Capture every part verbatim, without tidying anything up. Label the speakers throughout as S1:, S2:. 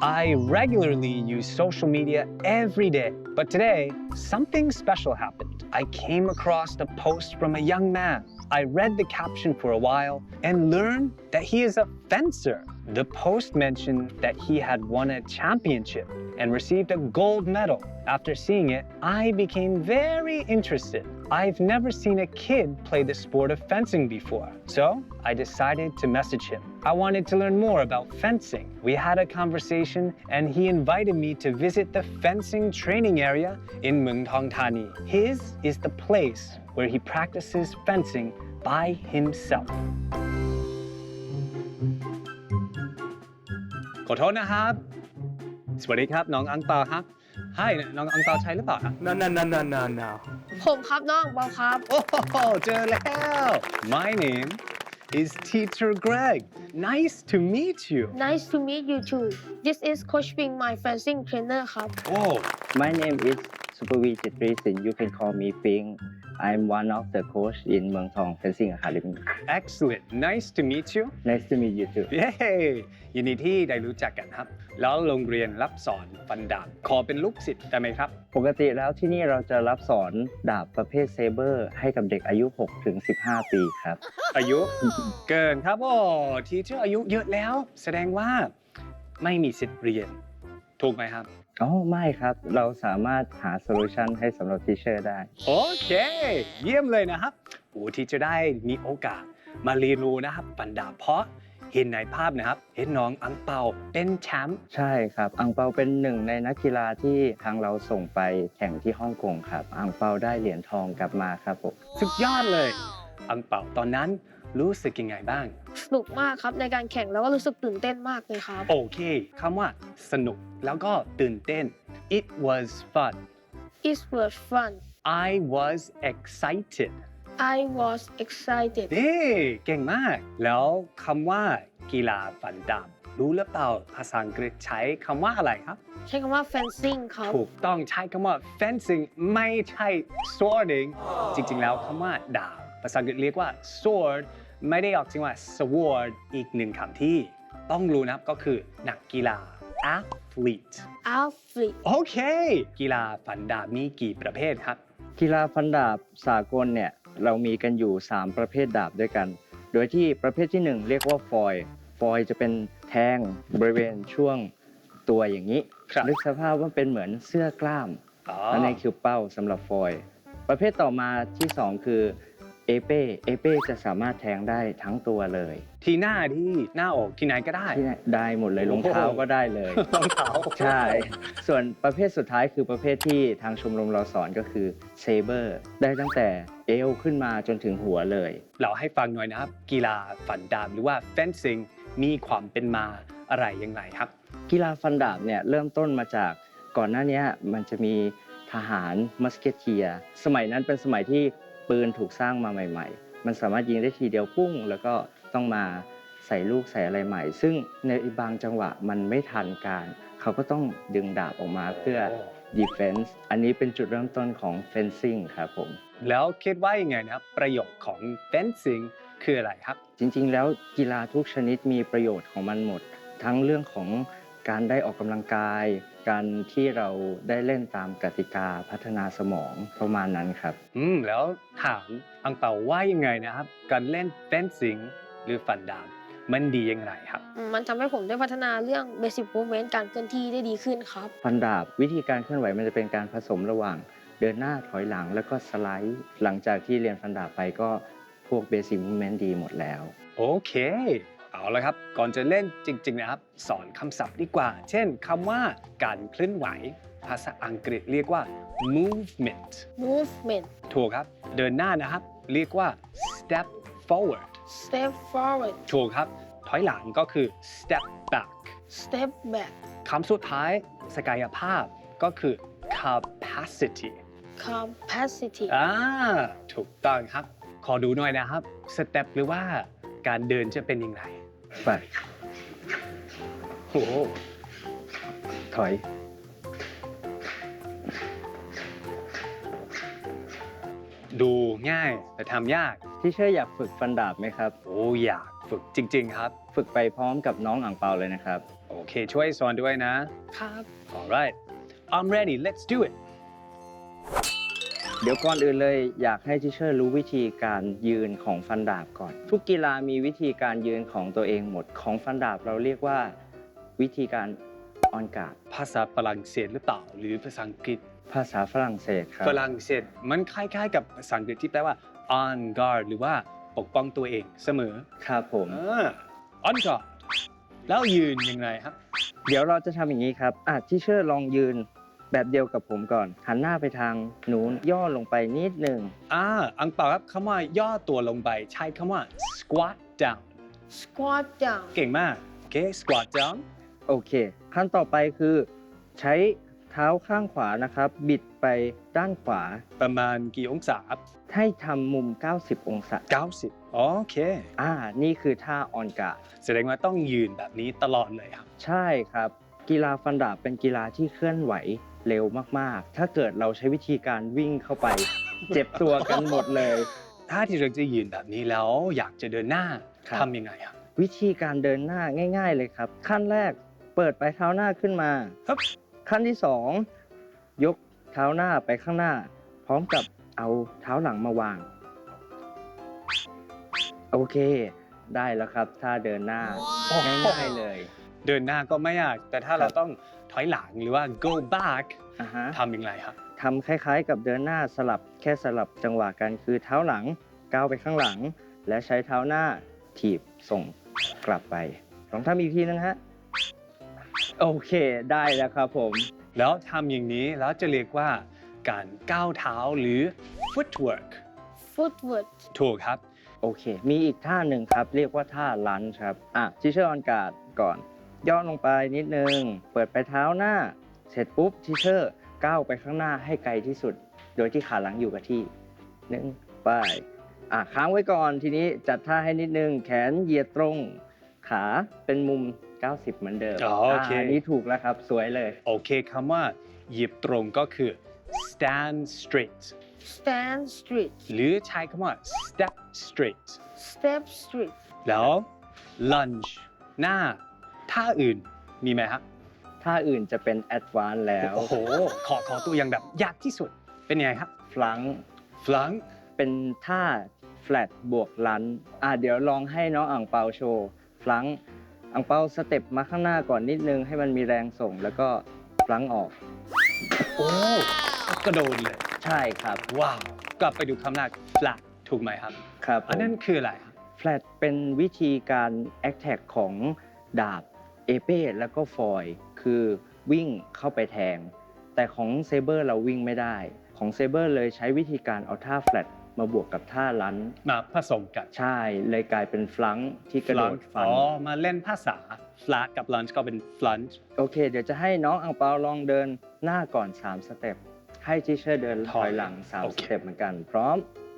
S1: I regularly use social media every day, but today, something special happened. I came across a post from a young man. I read the caption for a while and learned that he is a fencer. The post mentioned that he had won a championship and received a gold medal. After seeing it, I became very interested. I've never seen a kid play the sport of fencing before, so I decided to message him. I wanted to learn more about fencing. We had a conversation and he invited me to visit the fencing training area in Muang Thong Thani. His is the place where he practices fencing by himself. ขอโทษนะครับ สวัสดีครับน้องอังเปาครับ Hi น้องอังเปาใช่หรือเปล่าครับ
S2: No no no no no no
S3: ผมครับน้องเปาครับ
S1: โอ้โหเจอแล้ว My name is Teacher Greg. Nice to meet you.
S3: Nice to meet you too. This is Coach Ping, my fencing trainer ครับ
S1: Oh,
S4: My name is Supavi Chitrisin. You can call me Ping. I'm one of the coach in Muang Thong Fencing Academy.
S1: excellent. Nice to meet you.
S4: Nice to meet you too.
S1: เย้ยินดีที่ได้รู้จักกันครับ แล้วโรงเรียนรับสอนฟันดาบขอเป็นลูกศิษย์ได้ไหมครับ
S4: ปกติแล้วที่นี่เราจะรับสอนดาบประเภทเซเบอร์ให้กับเด็กอายุ หกถึงสิบห้า ปีครับ
S1: อายุ เกินครับโอ้ทีเชอร์อายุเยอะแล้ว แสดงว่าไม่มีสิทธิ์เรียน ถูกไหมครับ
S4: อ๋อไม่ครับ เราสามารถหาโซลูชันให้สำหรับทีเชอร์ได้
S1: โอเค เยี่ยมเลยนะครับโอ้ที่จะได้มีโอกาสมาเรียนรู้นะครับฟันดาบเพราะเห็นในภาพนะครับ เห็นน้องอังเปาเป็นแชมป์
S4: ใช่ครับอังเปาเป็นหนึ่งในนักกีฬาที่ทางเราส่งไปแข่งที่ฮ่องกงครับอังเปาได้เหรียญทองกลับมาครับผม
S1: สุดยอดเลย อังเปาตอนนั้นรู้สึกยังไงบ้าง
S3: สนุกมากครับในการแข่งแล้วก็รู้สึกตื่นเต้นมากเลยครับ
S1: โอเคคำว่าสนุกแล้วก็ตื่นเต้น It was fun
S3: It was fun.
S1: I was excited
S3: I was excited.
S1: เฮ้เก่งมาก แล้วคำว่ากีฬาฟันดาบรู้หรือเปล่าภาษาอังกฤษใช้คำว่าอะไรครับ
S3: ใช้คำว่า fencing ครับ
S1: ถูกต้องใช้คำว่า fencing ไม่ใช่ swording จริงๆ แล้วคำว่าดาบภาษาอังกฤษเรียกว่า sword ไม่ได้ออกเสียงว่า sword อีกหนึ่งคำที่ต้องรู้นะครับก็คือนักกีฬา athlete
S3: athlete
S1: โอเค กีฬาฟันดาบมีกี่ประเภทครับ
S4: กีฬาฟันดาบสากลเนี่ยเรามีกันอยู่ สาม ประเภทดาบด้วยกัน โดยที่ประเภทที่ หนึ่ง เรียกว่าฟอยล์ฟอยล์จะเป็นแทงบริเวณช่วงตัวอย่างนี้
S1: ครับ
S4: นึกสภาพว่าเป็นเหมือนเสื้อกล้าม
S1: อ๋อ
S4: อันนี้คือเป้าสำหรับฟอยล์ประเภทต่อมาที่ สอง คือเอเป้เอเป้จะสามารถแทงได้ทั้งตัวเลย
S1: ที่หน้าที่หน้าอกที่ไหนก็ได้
S4: ที่ได้หมดเลยรองเท้าก็ได้เลย
S1: รองเท้า
S4: ใช่ ส่วนประเภทสุดท้ายคือประเภทที่ทางชมรมเราสอนก็คือเซเบอร์ได้ตั้งแต่เอวขึ้นมาจนถึงหัวเลย
S1: เราให้ฟังหน่อยนะครับ กีฬาฟันดาบหรือว่า fencing มีความเป็นมาอะไรยังไงครับ
S4: กีฬาฟันดาบเนี่ยเริ่มต้นมาจากก่อนหน้านี้มันจะมีทหารมัสเกเทียร์สมัยนั้นเป็นสมัยที่ปืนถูกสร้างมาใหม่ๆ มันสามารถยิงได้ทีเดียวปุ้งแล้วก็ต้องมาใส่ลูกใส่อะไรใหม่ ซึ่งในบางจังหวะมันไม่ทันการ เขาก็ต้องดึงดาบออกมาเพื่อ defense อันนี้เป็นจุดเริ่มต้นของ fencing ครับผม
S1: แล้วคิดว่ายังไงนะครับ ประโยชน์ของ fencing คืออะไรครับ
S4: จริงๆ แล้วกีฬาทุกชนิดมีประโยชน์ของมันหมด ทั้งเรื่องของการได้ออกกำลังกาย การที่เราได้เล่นตามกติกาพัฒนาสมองประมาณนั้นครับ
S1: อืม แล้วถามอังเปาว่ายังไงนะครับ การเล่น fencing หรือฟันดาบมันดียังไงครับ
S3: มันทำให้ผมได้พัฒนาเรื่อง basic movement การเคลื่อนที่ได้ดีขึ้นครับ
S4: ฟันดาบวิธีการเคลื่อนไหวมันจะเป็นการผสมระหว่างเดินหน้าถอยหลังแล้วก็สไลด์ หลังจากที่เรียนฟันดาบไปก็พวกเบสิ c มูฟเมนต์ดีหมดแล้ว
S1: โอเค เอาละครับ ก่อนจะเล่นจริงๆนะครับ สอนคำศัพท์ดีกว่า เช่นคำว่าการเคลื่อนไหว ภาษาอังกฤษเรียกว่า movement
S3: movement
S1: ถูกครับ เดินหน้านะครับ เรียกว่า step forward
S3: step forward
S1: ถูกครับ ถอยหลังก็คือ step back
S3: step back
S1: คำสุดท้ายศักยภาพก็คือ capacity
S3: capacity
S1: อ่าถูกต้องครับ ขอดูหน่อยนะครับ สเต็ปหรือว่าการเดินจะเป็นยังไง
S4: ไป
S1: โอ้โห
S4: ถอย
S1: ดูง่ายแต่ทำยาก
S4: ที่เชอร์อยากฝึกฟันดาบไหมครับ
S1: โอ้อยากฝึกจริงๆครับ
S4: ฝึกไปพร้อมกับน้องอ่างเปาเลยนะครับ
S1: โอเคช่วยสอนด้วยนะ
S3: ครับ
S1: alright I'm ready let's do it
S4: เดี๋ยวก่อนอื่นเลยอยากให้ทิเชอร์รู้วิธีการยืนของฟันดาบก่อน ทุกกีฬามีวิธีการยืนของตัวเองหมดของฟันดาบเราเรียกว่าวิธีการออนการ์ด
S1: ภาษาฝรั่งเศสหรือเปล่าหรือภาษาอังกฤษ
S4: ภาษาฝรั่งเศสครับ
S1: ฝรั่งเศสมันคล้ายๆกับภาษาอังกฤษที่แปลว่า on guard หรือว่าปกป้องตัวเองเสมอ
S4: ครับผม
S1: อ่า on guard แล้วยืนยังไงครับ
S4: เดี๋ยวเราจะทำอย่างนี้ครับอ่ะทิเชอร์ลองยืนแบบเดียวกับผมก่อน หันหน้าไปทางนู้นย่อลงไปนิดหนึ่ง
S1: อ่าอังเปาครับคำว่าย่อตัวลงไปใช้คำว่า squat down
S3: squat down
S1: เก่งมากโอเค squat down
S4: โอเค ขั้นต่อไปคือใช้เท้าข้างขวานะครับ บิดไปด้านขวา
S1: ประมาณกี่องศาครับ
S4: ให้ทำมุม เก้าสิบ องศา
S1: เก้าสิบโอเค
S4: อ่า นี่คือท่าออนการ์ด
S1: แสดงว่าต้องยืนแบบนี้ตลอดเลยครับ
S4: ใช่ครับ กีฬาฟันดาบเป็นกีฬาที่เคลื่อนไหวเร็วมากๆ ถ้าเกิดเราใช้วิธีการวิ่งเข้าไป เจ็บตัวกันหมดเลย
S1: ถ้าที่เราจะยืนแบบนี้แล้วอยากจะเดินหน้า
S4: ครับ
S1: ทำยังไงครับ
S4: วิธีการเดินหน้าง่าย ๆเลยครับ ขั้นแรกเปิดปลายเท้าหน้าขึ้นมา
S1: ครับ
S4: ขั้นที่สองยกเท้าหน้าไปข้างหน้า พร้อมกับเอาเท้าหลังมาวาง โอเค ได้แล้วครับท่าเดินหน้าง่ายๆเลย
S1: เดินหน้าก็ไม่ยากแต่ถ้า
S4: ครับ
S1: เราต้องถอยหลังหรือว่า go back
S4: อ่าฮะ
S1: ทำยังไงครับ
S4: ทำคล้ายๆ กับเดินหน้าสลับแค่สลับจังหวะกันคือเท้าหลังก้าวไปข้างหลัง และใช้เท้าหน้าถีบส่งกลับไปลองทำอีกทีนึงฮะโอเคได้แล้วครับผม
S1: แล้วทำอย่างนี้แล้วจะเรียกว่าการก้าวเท้าหรือ footwork
S3: footwork
S1: ถูกครับ
S4: โอเค มีอีกท่าหนึ่งครับ เรียกว่าท่าลันช์ครับ อ่ะทิเชอร์ออนการ์ดก่อน ย่อลงไปนิดนึง เปิดไปเท้าหน้า เสร็จปุ๊บทิเชอร์ก้าวไปข้างหน้าให้ไกลที่สุด โดยที่ขาหลังอยู่กับที่หนึ่งไป อ่ะค้างไว้ก่อน ทีนี้จัดท่าให้นิดนึง แขนเหยียดตรง ขาเป็นมุม เก้าสิบ เหมือนเดิม
S1: อ๋อโอเค
S4: นนี้ถูกแล้วครับ สวยเลย
S1: โอเคคำว่าเหยียบตรงก็คือ stand straight
S3: stand straight
S1: หรือใช้คำว่า step straight
S3: step straight
S1: แล้ว lunge หน้าท่าอื่นมีไหมครับ
S4: ท่าอื่นจะเป็นแอดวานซ์แล้ว
S1: โอ้โห ขอขอตัวอย่างแบบยากที่สุดเป็นยังไงครับ
S4: ฟลัง
S1: flunk
S4: เป็นท่า flat บวกลันอ่ะเดี๋ยวลองให้น้องอ่างเปาโชว์ฟลังอ่างเปาสเต็ปมาข้างหน้าก่อนนิดนึงให้มันมีแรงส่งแล้วก็ฟลังออก
S1: โอ้กระโดดเลย
S4: ใช่ครับ
S1: ว้าว กลับไปดูคำแรก flat ถูกไหมครับ
S4: ครับผม
S1: อันนั้นคืออะไรครับ
S4: flat เป็นวิธีการ attack ของดาบเอเป้แล้วก็ฟอยล์คือวิ่งเข้าไปแทง แต่ของเซเบอร์เราวิ่งไม่ได้ ของเซเบอร์เลยใช้วิธีการเอาท่า flat มาบวกกับท่าลัน
S1: มาผสมกัน
S4: ใช่เลยกลายเป็นฟลังที่กระโดด
S1: Flunk
S4: ฟัน
S1: อ๋อ มาเล่นภาษา flat กับ lunge ก็เป็น flunge
S4: โอเค เดี๋ยวจะให้น้องอังเปาลองเดินหน้าก่อน สาม สเต็ป ให้ทิเชอร์เดินถอยหลัง สาม
S1: โอ
S4: ส
S1: เค
S4: เต็ปเหมือนกัน พร้อม ไป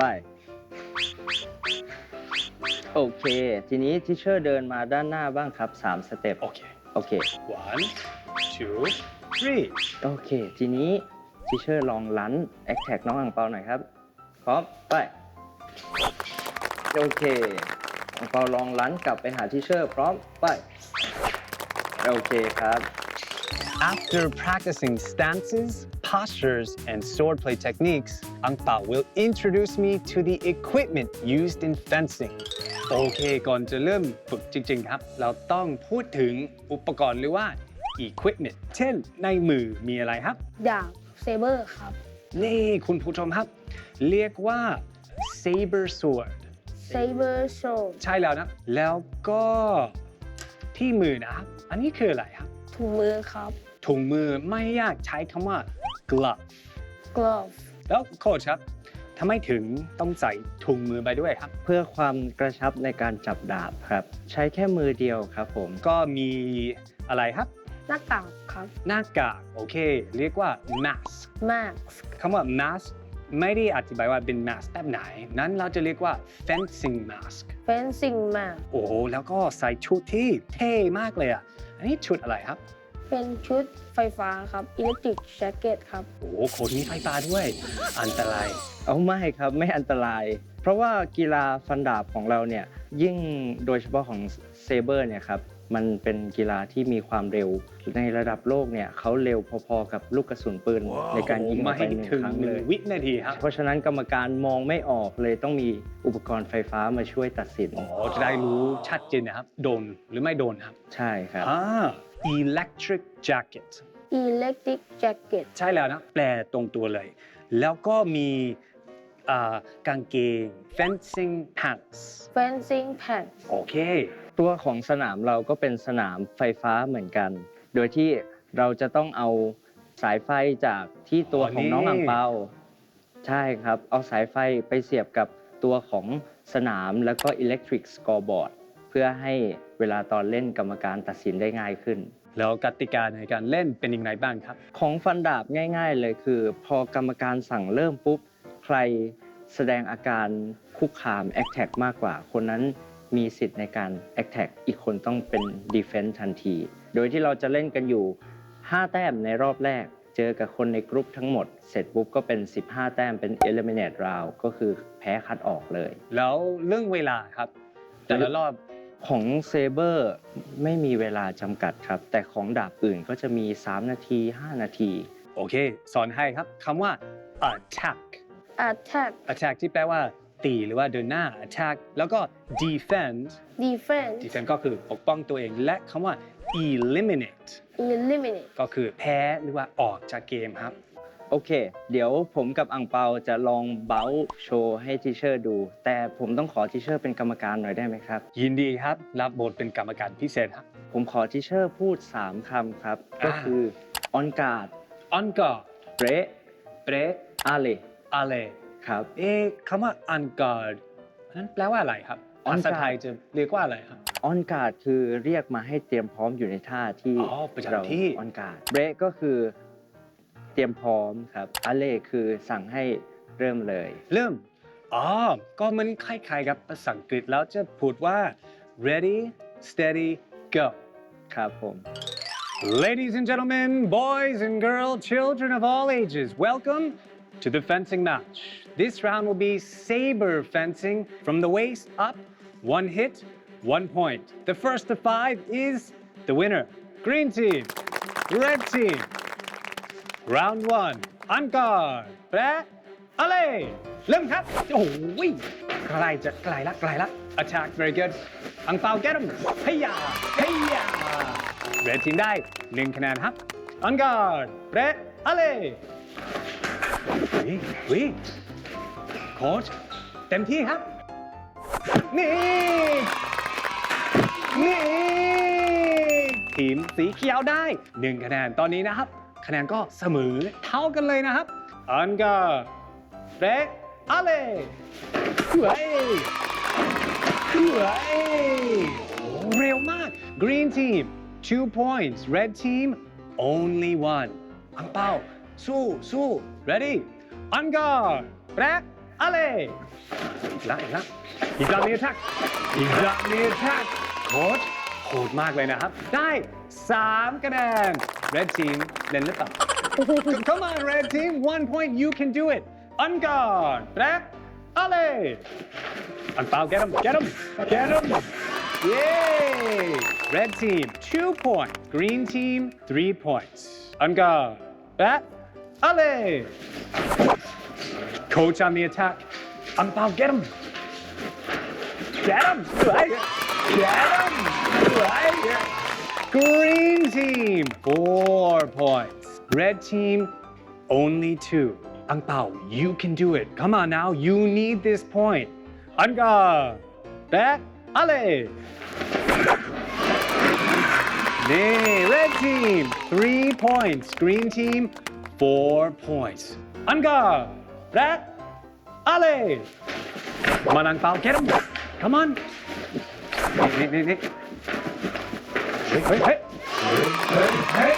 S4: โอเค ทีนี้ทิเชอร์เดินมาด้านหน้าบ้างครับ สาม สเต็ป
S1: โอเค
S4: โอเค
S1: one two three
S4: โอเค ทีนี้ทิเชอร์ลองลันแอคแท็กน้องอังเปาหน่อยครับ พร้อม ไป โอเค อังเปาลองลันกลับไปหาทิเชอร์ พร้อม ไป โอเคครับ
S1: After practicing stances, postures, and swordplay techniques, Ang Pao will introduce me to the equipment used in fencing. โอเค ก่อนจะเริ่มฝึกจริงๆครับ เราต้องพูดถึงอุปกรณ์หรือว่า equipment เช่น ในมือมีอะไรครับ
S3: ดาบ saber ครับ
S1: นี่คุณผู้ชมครับ เรียกว่า saber sword
S3: saber sword
S1: ใช่แล้วนะ แล้วก็ที่มือนะครับ อันนี้คืออะไรครับ
S3: ถุงมือครับ
S1: ถุงมือไม่ยากใช้คำว่า glove
S3: glove
S1: แล้วโค้ชครับทำไมถึงต้องใส่ถุงมือไปด้วยครับ
S4: เพื่อความกระชับในการจับดาบครับ ใช้แค่มือเดียวครับผม
S1: ก็มีอะไรครับ
S3: หน้ากากครับ
S1: หน้ากากโอเค เรียกว่า mask
S3: mask
S1: คำว่า mask ไม่ได้อธิบายว่าเป็น mask แบบไหน นั้นเราจะเรียกว่า fencing mask
S3: fencing mask
S1: โอ้โหแล้วก็ใส่ชุดที่เท่มากเลยอ่ะ อันนี้ชุดอะไรครับ
S3: เป็นชุดไฟฟ้าครับ electric jacket ครับ
S1: โอ้โหโคตรมีไฟฟ้าด้วย อันตราย
S4: เอาไม่ครับไม่อันตราย เพราะว่ากีฬาฟันดาบของเราเนี่ยยิ่งโดยเฉพาะของเซเบอร์เนี่ยครับมันเป็นกีฬาที่มีความเร็วในระดับโลกเนี่ยเขาเร็วพอๆกับลูกกระสุนปืนในการยิงอ
S1: มา
S4: อกไป
S1: ให้
S4: หนึ่ง
S1: ถึง
S4: ครั้ง
S1: ห
S4: เล
S1: นึ่ง
S4: ย
S1: วินาทีครับ
S4: เพราะฉะนั้นกรรมการมองไม่ออกเลยต้องมีอุปกรณ์ไฟฟ้ามาช่วยตัดสิน
S1: อ๋อจะได้รู้ชัดเจนนะครับ โดนหรือไม่โดนครับ
S4: ใช่ครับ
S1: อ่า electric jacket
S3: electric jacket
S1: ใช่แล้วนะ แปลตรงตัวเลย แล้วก็มีอ่ากางเกง fencing pants
S3: fencing pants
S1: โอเค
S4: ตัวของสนามเราก็เป็นสนามไฟฟ้าเหมือนกัน โดยที่เราจะต้องเอาสายไฟจากที่ตัวของน้อง
S1: อ๋อนี่
S4: อ่างเปาใช่ครับ เอาสายไฟไปเสียบกับตัวของสนามแล้วก็ electric scoreboard เพื่อให้เวลาตอนเล่นกรรมการตัดสินได้ง่ายขึ้น
S1: แล้วกติกาในการเล่นเป็นยังไงบ้างครับ
S4: ของฟันดาบง่ายๆเลยคือ พอกรรมการสั่งเริ่มปุ๊บ ใครแสดงอาการคุกคาม attack มากกว่า คนนั้นมีสิทธิ์ในการ attack อีกคนต้องเป็น defense ทันที โดยที่เราจะเล่นกันอยู่ ห้า แต้มในรอบแรก เจอกับคนในกรุ๊ปทั้งหมด เสร็จปุ๊บก็เป็น สิบห้า แต้มเป็น eliminate round ก็คือแพ้คัดออกเลย
S1: แล้วเรื่องเวลาครับ แต่ละรอบ
S4: ของเซเบอร์ไม่มีเวลาจำกัดครับ แต่ของดาบอื่นก็จะมี สาม นาที ห้า นาที
S1: โอเค สอนให้ครับคำว่า attack
S3: attack
S1: attack ที่แปลว่าตีหรือว่าเดินหน้า attack แล้วก็ defend
S3: defense
S1: defend ก็คือปกป้องตัวเอง และคำว่า eliminate
S3: eliminate
S1: ก็คือแพ้หรือว่าออกจากเกมครับ
S4: โอเค เดี๋ยวผมกับอังเปาจะลองเบ้าโชว์ให้ทีเชอร์ดู แต่ผมต้องขอทีเชอร์เป็นกรรมการหน่อยได้ไหมครับ
S1: ยินดีครับ รับบทเป็นกรรมการพิเศษครับ
S4: ผมขอทีเชอร์พูด สาม คำครับ ก็คือ on guard
S1: on guard
S4: break
S1: break
S4: alley
S1: alley
S4: ครับ
S1: เอ๊ะคำว่า on guard นั้นแปลว่าอะไรครับ
S4: on
S1: ภาษา
S4: guard
S1: ไทยจะเรียกว่าอะไรครับ
S4: on guard คือเรียกมาให้เตรียมพร้อมอยู่ในท่าที่
S1: อ๋อประจำ
S4: เรา
S1: ที่
S4: on guard break ก็คือเตรียมพร้อมครับ alley คือสั่งให้เริ่มเลย
S1: เริ่ม อ๋อ ก็มันคล้ายๆกับภาษาอังกฤษแล้วจะพูดว่า ready steady go
S4: ครับผม
S1: Ladies and gentlemen, boys and girls, children of all ages, welcome to the fencing match. This round will be saber fencing from the waist up, one hit, one point. The first to five is the winner. Green team, red team. Round one, on guard. แปะอะไรเริ่มครับ โอ้โหใกล้จะใกล้ละใกล้ละ Attack very good อังเปา get him เฮียเฮีย Red team ได้หนึ่งคะแนนครับ On guard แปะอะไรวิวิโค้ชเต็มที่ครับ นี่ นี่ ทีมสีเขียวได้หนึ่งคะแนนตอนนี้นะครับ คะแนนก็เสมอเท่ากันเลยนะครับ อันกาเรอะไรเฮ้ยเฮ้ยเร็วมาก Green team two points Red team only one อังเปาสู้สู้ ready อันกาเรอะไรอีกแล้วอีกแล้วอีกแล้วมี attack อีกแล้วมี attack โค้ชโหดมากเลยนะครับ ได้สามคะแนน Red team เล่นหรือเปล่า Come on Red team one point you can do it On guard แร็กอะไรอันเปา get him get him get him Yay Red team two points Green team three points On guard แร็กอะไร Coach on the attack อันเปา get him Get him! Right. Get him! Right. Green team, four points. Red team, only two. Ang Pao, you can do it. Come on now, you need this point. Anga, back, ale. Nee, red team, three points. Green team, four points. Anga, back, ale. Come on, Ang Pao, get him. Come on. Nick, Nick, Nick. Hey, hey, hey. Hey, hey.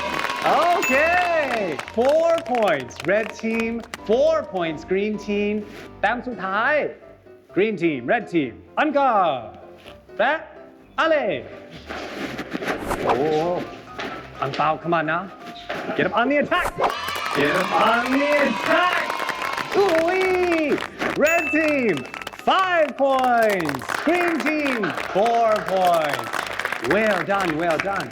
S1: Okay. Four points. Red team. Four points. Green team. แต้มสุดท้าย Green team. Red team. อันกาแปะอะไรโอ้อังเปา come on now. Get up on the attack. Get up on the attack. Ooh-wee. Red team. five points Green Team four points Well done well done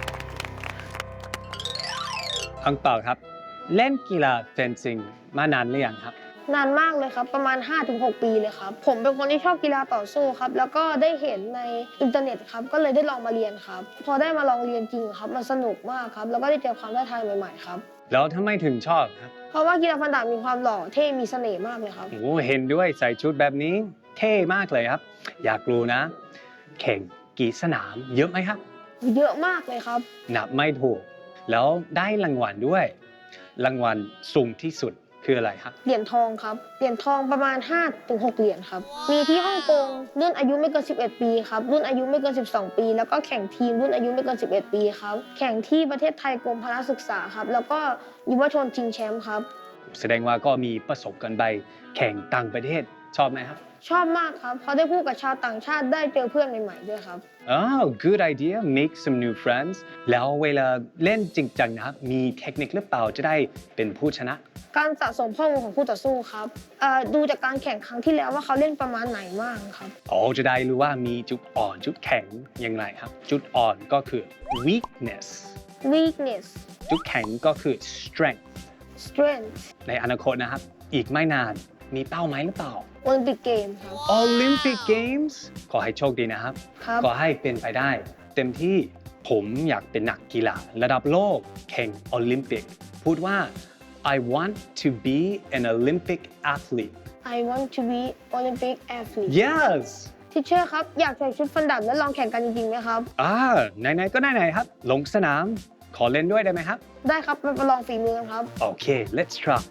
S1: อังเปาครับ เล่นกีฬาเฟนซิ่งมานานหรือยังครับ
S3: นานมากเลยครับ ประมาณ ห้าถึงหก ปีเลยครับ ผมเป็นคนที่ชอบกีฬาต่อสู้ครับ แล้วก็ได้เห็นในอินเทอร์เน็ตครับ ก็เลยได้ลองมาเรียนครับ พอได้มาลองเรียนจริงครับ มันสนุกมากครับ แล้วก็ได้เจอความท้าทายใหม่ๆครับ
S1: แล้วทำไมถึงชอบครับ
S3: เพราะว่ากีฬาฟันดาบมีความหล่อเท่มีเสน่ห์มากเลยครับ
S1: โอ้เห็นด้วยใส่ชุดแบบนี้เท่มากเลยครับ อยากรู้นะ แข่งกี่สนามเยอะไหมครับ
S3: เยอะมากเลยครับ
S1: นับไม่ถูก แล้วได้รางวัลด้วย รางวัลสูงที่สุดคืออะไรครับ
S3: เหรียญทองครับ เหรียญทองประมาณ ห้าถึงหก เหรียญครับ มีที่ฮ่องกงรุ่นอายุไม่เกิน สิบเอ็ด ปีครับ รุ่นอายุไม่เกิน สิบสอง ปี แล้วก็แข่งทีมรุ่นอายุไม่เกิน สิบเอ็ด ปีครับ แข่งที่ประเทศไทยกรมพละศึกษาครับ แล้วก็ยุวชนชิงแชมป์ครับ
S1: แสดงว่าก็มีประสบการณ์ไปแข่งต่างประเทศชอบไหมครับ
S3: ชอบมากครับ เพราะได้พูดกับชาวต่างชาติได้เจอเพื่อนใหม่ๆด้วยครับ
S1: Oh good idea make some new friends แล้วเวลาเล่นจริงจังนะครับ มีเทคนิคหรือเปล่าจะได้เป็นผู้ชนะ
S3: การสะสมข้อมูลของคู่ต่อสู้ครับเอ่อดูจากการแข่งครั้งที่แล้วว่าเขาเล่นประมาณไหนบ้างครับ
S1: อ๋อจะได้รู้ว่ามีจุดอ่อนจุดแข็งอย่างไรครับ จุดอ่อนก็คือ weakness
S3: weakness
S1: จุดแข็งก็คือ strength
S3: strength
S1: ในอนาคตนะครับ อีกไม่นานมีเป้าหมายหรือเปล่า
S3: Olympic Game ครับ
S1: Olympic Games ขอให้โชคดีนะครับ
S3: ครับ
S1: ขอให้เป็นไปได้ เต็มที่ผมอยากเป็นนักกีฬาระดับโลกแข่งโอลิมปิก พูดว่า I want to be an Olympic athlete
S3: I want to be Olympic athlete
S1: Yes
S3: ทิเชอร์ครับ อยากใส่ชุดฟันดาบและลองแข่งกันจริงๆไหมครับ
S1: อ่าไหนๆก็ไหนๆครับ ลงสนาม ขอเล่นด้วยได้ไหมครับ
S3: ได้ครับไปประลองฝีมือกันครับ
S1: โอเค let's try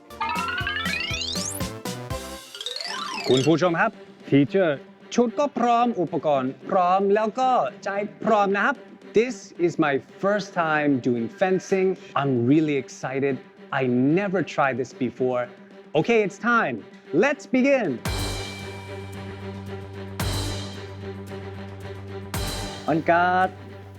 S1: คุณผู้ชมครับ Teacher ชุดก็พร้อม อุปกรณ์พร้อม แล้วก็ใจพร้อมนะครับ This is my first time doing fencing. I'm really excited. I never tried this before. Okay, it's time. Let's begin.
S4: On guard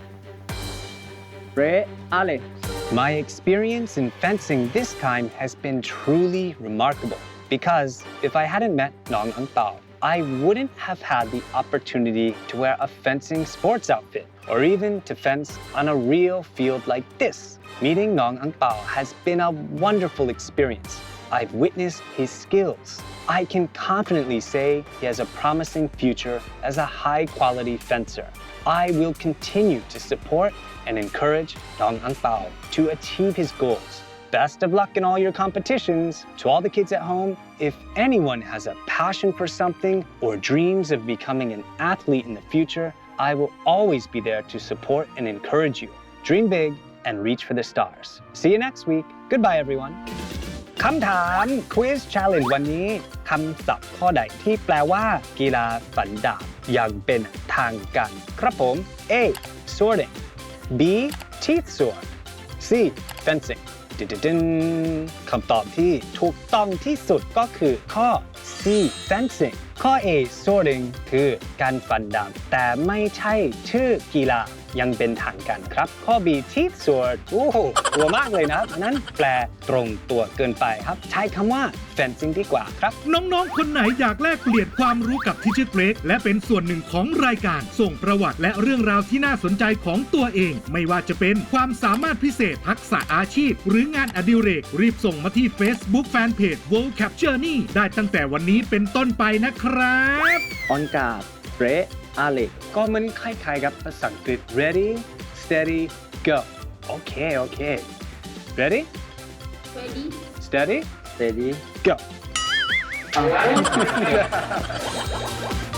S4: Ray Ale
S1: My experience in fencing this time has been truly remarkable because if I hadn't met Nong Ang Pao, I wouldn't have had the opportunity to wear a fencing sports outfit or even to fence on a real field like this. Meeting Nong Ang Pao has been a wonderful experience. I've witnessed his skills. I can confidently say he has a promising future as a high-quality fencer. I will continue to support and encourage Nong Ang Pao to achieve his goals. Best of luck in all your competitions. To all the kids at home, if anyone has a passion for something or dreams of becoming an athlete in the future, I will always be there to support and encourage you. Dream big and reach for the stars. See you next week. Goodbye, everyone. คำถาม Quiz Challenge วันนี้คำศัพท์ข้อใดที่แปลว่ากีฬาฟันดาบอย่างเป็นทางการครับผม A. Sorting B. Teeth sword C. Fencing ดึนๆคำตอบที่ถูกต้องที่สุดก็คือข้อ C. Fencing ข้อ A. Sorting คือการฟันดาบแต่ไม่ใช่ชื่อกีฬายังเป็นทางการครับข้อ B. Teeth sword โอ้โหตัวมากเลยนะครับอันนั้นแปลตรงตัวเกินไปครับใช้คำว่า fencing ดีกว่าครับ
S2: น้องๆ คนไหนอยากแลกเปลี่ยนความรู้กับทิชเชอร์เกรกและเป็นส่วนหนึ่งของรายการส่งประวัติและเรื่องราวที่น่าสนใจของตัวเอง ไม่ว่าจะเป็นความสามารถพิเศษทักษะอาชีพ หรืองานอดิเรกรีบส่งมาที่ Facebook Fanpage World Cap Journey ได้ตั้งแต่วันนี้เป็นต้นไปนะครับ
S4: On guard Ray Ale
S1: ก็มันคล้ายๆกับภาษาอังกฤษ ready steady go โอเคโอเค ready
S3: Ready
S1: steady
S4: Steady
S1: go